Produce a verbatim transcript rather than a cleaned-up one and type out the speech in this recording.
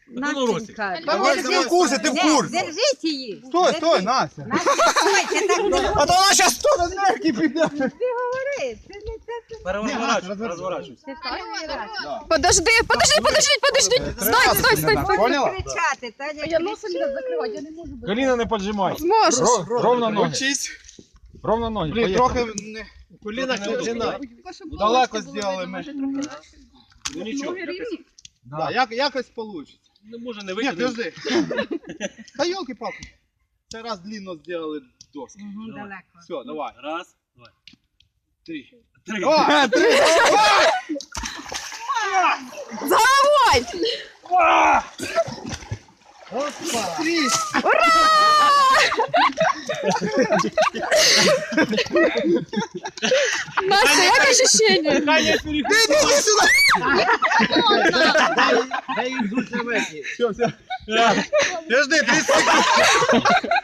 Настенька, Давай, ти в курсі, ти в курсі. держіть її. Стой, стой, Настя. Стойте, так не А то вона зараз тут на нерки піде. говори. Це не це. Переворачуй, розворачуй. Ти перший раз. Подожди, подожди, подожди, подожди. Стой, стой, стой. Поняла? Кричати, Таня. Я носа не закривати, я не можу. Коліна не поджимай. Зможеш. Ро- Ровно ноги. Учись. Ровно ноги. Блін, Поїхали. трохи не... Коліна не обжинай. Далеко зробили ми. Ну нічого. Да, як, якось получится. Ну може не Ні, вийти. подожди. Та ёлки-палки. Це раз длинно зробили доски. Угу, далеко. Все, давай. Раз, два, Три. три. О, три. Головой! Три. Настя, як ощущення? Іди сюди. Дай їм зульцеметі. Все, все. Подожди, тридцать секунд.